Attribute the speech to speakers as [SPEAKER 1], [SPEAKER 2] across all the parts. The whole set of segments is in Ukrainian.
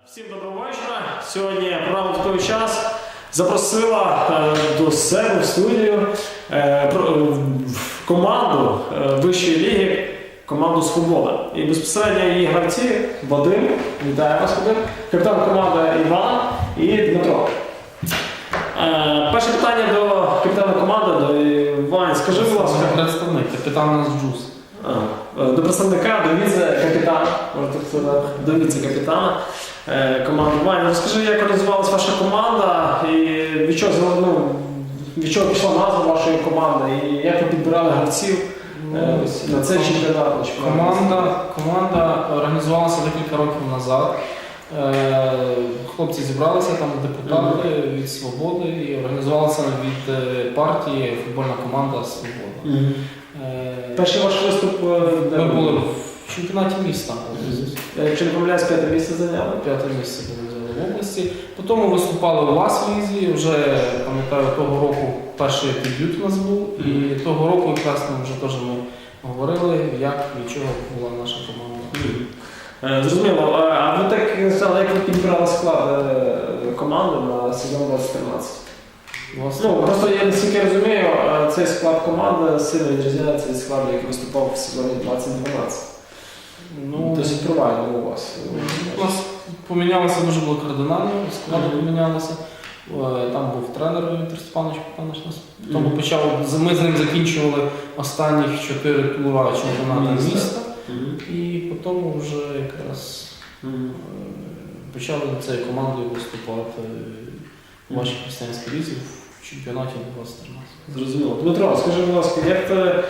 [SPEAKER 1] Всім доброго вечора. Сьогодні програма «Такий час» запросила до себе в студію команду вищої ліги, команду «Свобода». І безпосередньо її гравці Вадим, вітаю вас, Вадим, капітан команди Іван і Дмитро. Перше питання до капітана команди, до Івана. Скажи, будь ласка.
[SPEAKER 2] Представник, капітан у нас Джуз.
[SPEAKER 1] До представника, до віце-капітана, можна так сказати, до віце-капітана команди. Ваня, розкажи, як організувалася ваша команда і від чого пішла назва вашої команди і як ви підбирали гравців на цей чемпіонат?
[SPEAKER 2] Команда організувалася декілька років назад. Хлопці зібралися, там депутати від «Свободи» і організувалася від партії футбольна команда «Свобода».
[SPEAKER 1] Перший ваш виступ
[SPEAKER 2] Ми були в чемпіонаті міста.
[SPEAKER 1] Якщо не помиляюсь, 5 місце зайняли?
[SPEAKER 2] 5 місце були в області. Потім ми виступали у вас в лізі, вже, пам'ятаю, того року перший дебют у нас був. І того року якраз ми вже теж говорили, як, від чого була наша команда.
[SPEAKER 1] Зрозуміло. А ви так сказали, як ви підбирали склад команди на сезон 2013? Просто я наскільки розумію, цей склад команди сильно відрізняється від складу, який виступав в сезоні 2012. Досить провально у вас.
[SPEAKER 2] У нас помінялося дуже було кардинально, склади помінялися. Там був тренер Віктор Степанович Потанич. Ми з ним закінчували останніх 4 тура чемпіонату міста. І потім вже якраз почали цією командою виступати в вашій християнській лізі в чемпіонаті 2013.
[SPEAKER 1] Зрозуміло. Дмитро, скажи, будь ласка, як ти,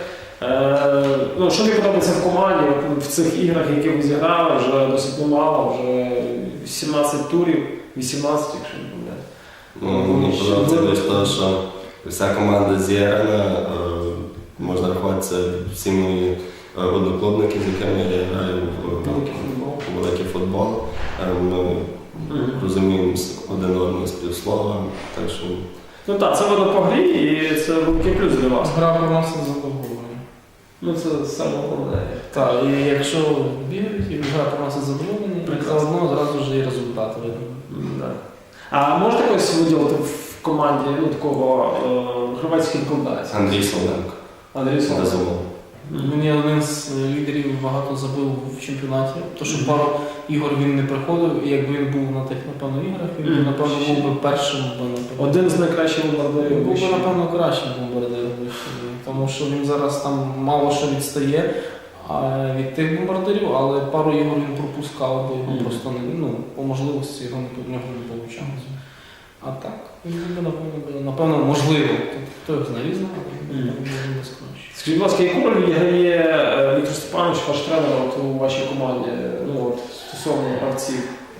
[SPEAKER 1] що тобі подобається в команді, в цих іграх, які ви зіграли, вже досить немало, вже 17 турів, 18, якщо не помиляюсь.
[SPEAKER 3] Мені подобається те, що вся команда зіграна, можна рахуватися всі мої одноклубники, з якими я граю в великий футбол. Ми розуміємо один одного співслова, так що...
[SPEAKER 1] Так, це воно по грі і це великий плюс для вас.
[SPEAKER 2] Гра приносить задоволення.
[SPEAKER 1] Це саме головне.
[SPEAKER 2] Так, і якщо бігають, і гра приносить задоволення, заодно зразу ж і результат видно.
[SPEAKER 1] А можете якось виділити в команді такого громадських рекомендацій?
[SPEAKER 3] Андрій Солоденко.
[SPEAKER 1] Андрій Солоденко.
[SPEAKER 2] Мені один з лідерів багато забив в чемпіонаті, тому що пару ігор він не приходив, і якби він був на тих, напевно, іграх, він, напевно, був би першим.
[SPEAKER 1] Один з найкращих бомбардирів.
[SPEAKER 2] Він був би, напевно, кращим бомбардиром, тому що він зараз там мало що відстає від тих бомбардирів, але пару ігор він пропускав, бо його просто по можливості його в нього не вийшло. А так, він би, напевно, можливо. Хто його знає, різно, але він не скажеш.
[SPEAKER 1] Скажіть, будь ласка, яку роль відіграє Віктор Степанович, ваш тренер у вашій команді, стосовно гравців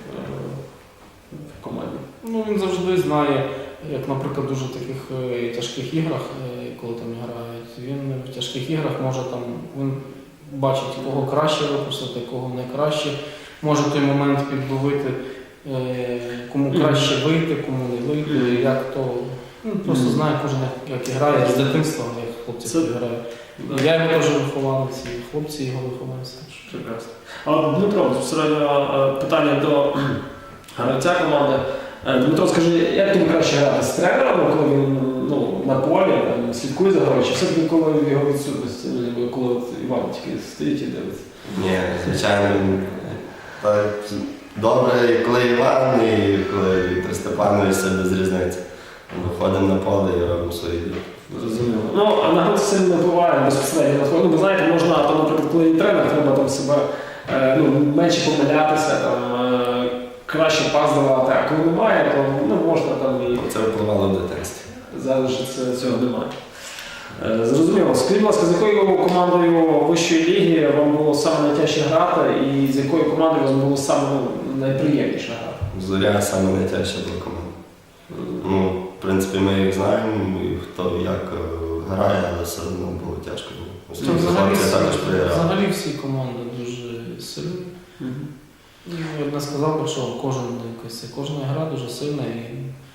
[SPEAKER 1] в команді?
[SPEAKER 2] Він завжди знає, як, наприклад, дуже таких тяжких іграх, коли там грають, він в тяжких іграх може він бачить, кого краще випустити, кого не краще, може той момент підловити, кому краще вийти, кому не вийти, як то. Просто знає кожен, як грає з дитинства, як хлопці грають. Я його теж вихованець, і хлопці його вихованці.
[SPEAKER 1] Прекрасно. А Дмитро, безпосередньо питання до гравця команди. Дмитро, скажи, як тобі краще грати з тренером, коли він на полі, слідкує за грою, чи все-таки коли в його відсутності, коли Іван тільки стоїть і дивиться?
[SPEAKER 3] Ні, звичайно, так добре, коли Іван, і коли Віктор Степанович, все без різниці. Виходимо на поле і робимо свої дії.
[SPEAKER 1] Зрозуміло. А на гравця сильно не впливає безпосередньо. Ви знаєте, можна, наприклад, коли є тренер, треба себе менше помилятися, краще пас давати, а коли немає, то можна і...
[SPEAKER 3] Це впливало в дитинстві.
[SPEAKER 1] Зараз цього немає. Зрозуміло. Скажіть, будь ласка, з якою командою вищої ліги вам було саме найтяжче грати і з якою командою вам було саме найприємніше грати?
[SPEAKER 3] Зоря саме найтяжча була команда. В принципі, ми їх знаємо, і хто як грає, але все одно було тяжко.
[SPEAKER 2] Взагалі всі команди дуже сильні. Я б не сказав, що кожна гра дуже сильна.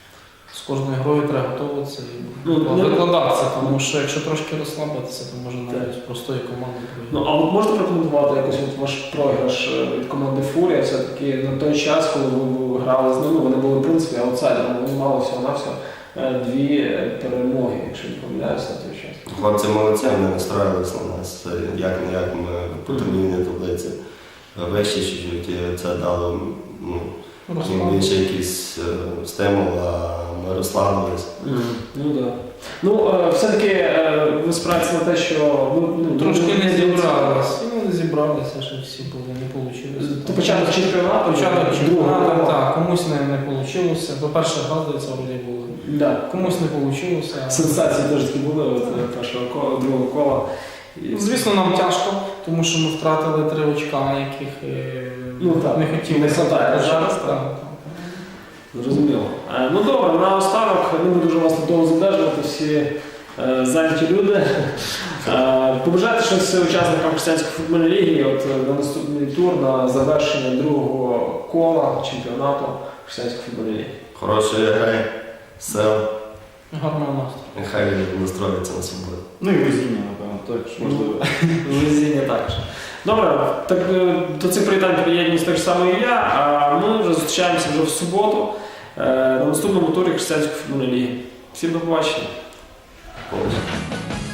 [SPEAKER 2] з кожною грою треба готуватися і
[SPEAKER 1] Ну,
[SPEAKER 2] викладатися, тому що якщо трошки розслабитися, то може навіть з простої команди пройти.
[SPEAKER 1] Ну, а от можете прокоментувати якось от ваш програш від команди Фурія? Все-таки на той час, коли ви грали з ними, вони були, в принципі, аутсайдерами, вони мали всього-навсього 2 перемоги, якщо не помиляюся, на той час.
[SPEAKER 3] Хлопці молодці, вони настроїлись на нас. Як-не-як ми по турнірній таблиці вищі чуть-чуть, і це дало їм більше якийсь стимул, а ми розслабились.
[SPEAKER 1] Ну так. Ну, все-таки ви спираєтеся на те, що ви
[SPEAKER 2] Трошки не зібралися. Не зібралися, що всі були, не вийшло.
[SPEAKER 1] То початок чемпіонату?
[SPEAKER 2] Початок чемпіонату,
[SPEAKER 1] другого.
[SPEAKER 2] так, комусь не вийшло. По-перше, згадується, вроді було.
[SPEAKER 1] Да.
[SPEAKER 2] Комусь не вийшло.
[SPEAKER 1] Сенсації теж такі були от першого кола, другого кола. І...
[SPEAKER 2] Звісно, нам тяжко, тому що ми втратили 3 очка, яких
[SPEAKER 1] так,
[SPEAKER 2] не хотіли.
[SPEAKER 1] не хватає зараз, так. Зрозуміло. Ну добре, наостанок, не буду дуже вас довго задержувати, всі зайняті люди. Побажайте щось учасникам християнської футбольної ліги от, на наступний тур, на завершення другого кола чемпіонату християнської футбольної ліги.
[SPEAKER 3] Хорошої гри, сил,
[SPEAKER 2] Гарного настрою.
[SPEAKER 3] нехай настроїться на свободу.
[SPEAKER 4] Ну і везіння, напевно, також можливо.
[SPEAKER 1] Везіння також. Добре, так до цих привітань приєднуюсь так само і я, а ми вже зустрічаємося вже в суботу на наступному турі християнської футбольної ліги. Всім до побачення.
[SPEAKER 3] Повністю.